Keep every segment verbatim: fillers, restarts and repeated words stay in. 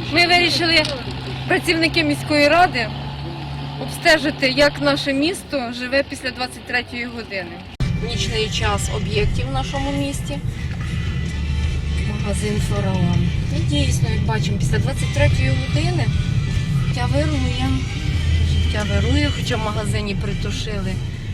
Ми вирішили, працівники міської ради, обстежити, як наше місто живе після двадцять третьої години. Нічний час об'єктів в нашому місті. Магазин «Фараон». І дійсно, як бачимо, після двадцять третьої години життя вирує. Життя вирує, хоча в магазині притушили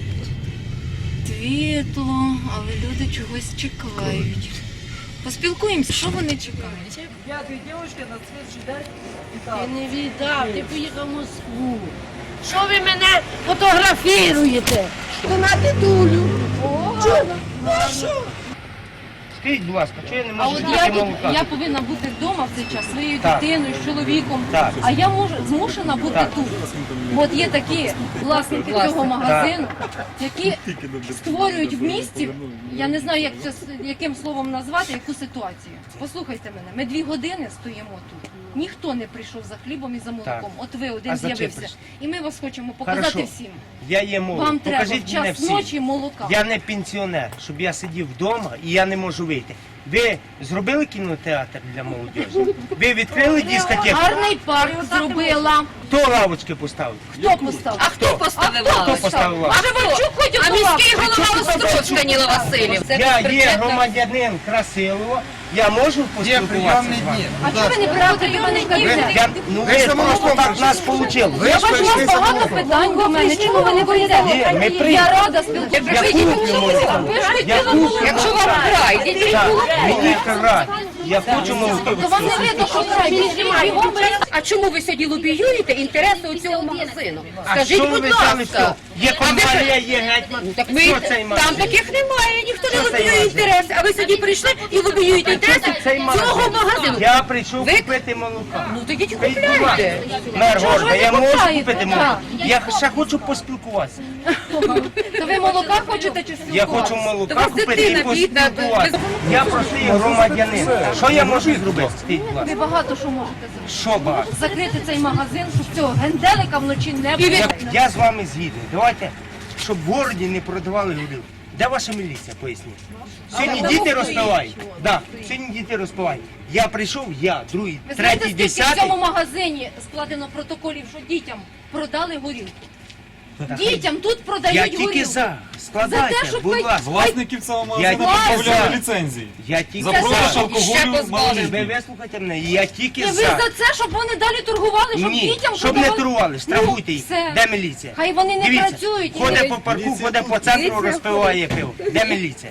світло, але люди чогось чекають. Поспілкуємося, що вони чекають? Я дві дівчинки на слідчий день Ти не віддав, ти поїхав в Москву. Що ви мене фотографіруєте? То на дедулю. Чого? Скажіть, будь ласка, чого я не А можу от пити я, молока? я повинна бути вдома в цей час своєю Так. дитиною, з чоловіком, Так. а я можу змушена бути Так. тут. От є такі власники цього магазину, які створюють в місті, я не знаю, як це, яким словом назвати, яку ситуацію. Послухайте мене, ми дві години стоїмо тут. Ніхто не прийшов за хлібом і за молоком. Так. От ви А один за чим з'явився. прийшли? І ми вас хочемо показати Хорошо. всім. Я є молодь. Вам треба Покажіть в мене час всі. ночі молока. Я не пенсіонер, щоб я сидів вдома і я не можу вийти. Ви зробили кінотеатр для молодіжі? Ви відкрили дискотеку? Гарний парк зробила. Хто лавочки поставив? Хто поставив? А хто поставив Хто лавочку? поставив лавочки? А Шевчук ходив а міський голова Острожка Ніла Васильівна. Я є громадянин Красилова, я можу поспілкуватися з вами? А чого ви не приходите до мене в кабінет? Я, ну ви просто так нас вийшло. Я бачу, у вас багато питань до мене. Чому ви не Ні, прийдете? ми Я прийдемо. рада спілкуватися. Я куплю молоко. Я куплю. Якщо вам край, йдіть. Так, мені край. Я хочу молоко. То вам не видно, що край. Бігом А чому ви сьогодні лобіюєте інтереси у цього магазину? А Скажіть, що ви будь взяли все? ласка. Є компанія, є гетьман. Так ви, Що цей там магазин? таких немає, ніхто не Що цей лобіює магазин? інтереси, а ви сьогодні прийшли і лобіюєте інтереси Цей цього магазину. Я прийшов Ви- купити молока. Ну тоді Скажіть, будь ласка, купляйте. мер Чого ж города, ви я не можу купляєте? купити молоко? Я ще хочу поспілкуватися. То ви молока хочете чи Я спілкуватися? хочу Та молока вас купити і дитина бідна, поспілкуватися. Я простий громадянин. Що я можу зробити? Скажіть, будь ласка. Ви багато що можете зробити. Що багато? Закрити цей магазин, щоб цього генделика вночі не було. Я, я з вами згідний. Давайте, щоб в городі не продавали горілку. Де ваша міліція, поясніть? Сьогодні діти розпивають. Да, сьогодні діти розпивають. Я прийшов, я, другий, Ви знаєте, третій, скільки в десятий. цьому магазині складено протоколів, що дітям продали горілку? Дітям тут Я продають тільки горілку. за. Складайте, За те, щоб будь ви- ласка. Власників цього Я магазину тільки позбавляли за. ліцензії. Я тільки За продаж за. алкоголю Ще позбавили. Ви малолітніх. вислухайте мене, я тільки І ви за. за це, щоб вони далі торгували, щоб Ні, дітям щоб не продавали? торгували, штрафуйте їх. Ну, все. Де міліція? Хай вони не Дивіться, працюють. Ходить по парку, ходить по центру, розпиває пиво. Де міліція?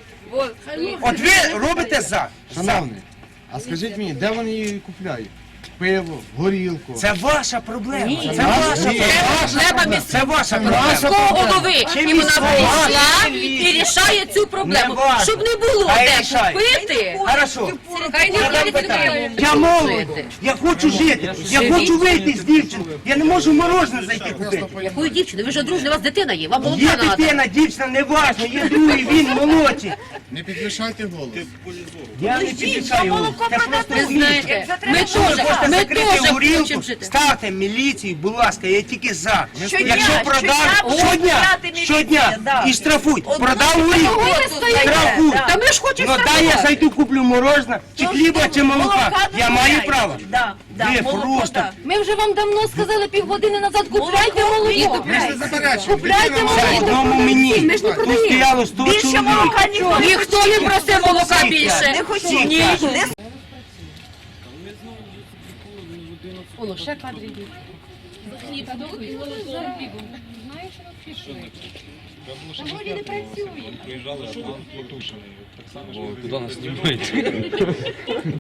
От ви робите за. Шановний, а скажіть мені, де вони її купляють? Пиво, горілку. Це ваша проблема. Ні. Це ваша Ні. проблема. Це ваша проблема. Міського голови, Чим і вона міського? прийшла Чим і міського? рішає цю проблему. Не важно. Щоб не було Хай де рішає. купити. Хорошо. Хай не Я дам буде питання. людей. Я молодий, я хочу жити, я хочу вийти з дівчиною. Я не можу морожене зайти купити. Якою дівчиною? Ви ж одружені, у вас дитина є, вам Є молока треба. дитина, дівчина, не важно, є другий, він молодший. Не підвищайте голос. Я не підвищаю. Це просто Ви знаєте, ми Якщо ви теж, хочете ми закрити теж горілку, хочемо жити. ставте міліцію, будь ласка, я тільки за. Щодня, Якщо продав, щодня щодня, міліція, щодня, да. і штрафують. Продав горілку, ви стоїте? штрафують. Та ми ж хочемо Ну дай я штрафувати. зайду, куплю мороженое, чи хліба, чи молока. Я маю право. Да, да, Ви молоко, просто. да. Ми вже вам давно сказали півгодини назад, купляйте молоко. Купляйте Це молоко. одному мені. Тут стояло сто Більше чоловік. молока ніхто не Ніхто не просив молока більше. не хотів. Всі Ні, кажуть. не Воно ще кадри йдуть. Приїжджали, а план потушений. Так само, що куди нас знімають.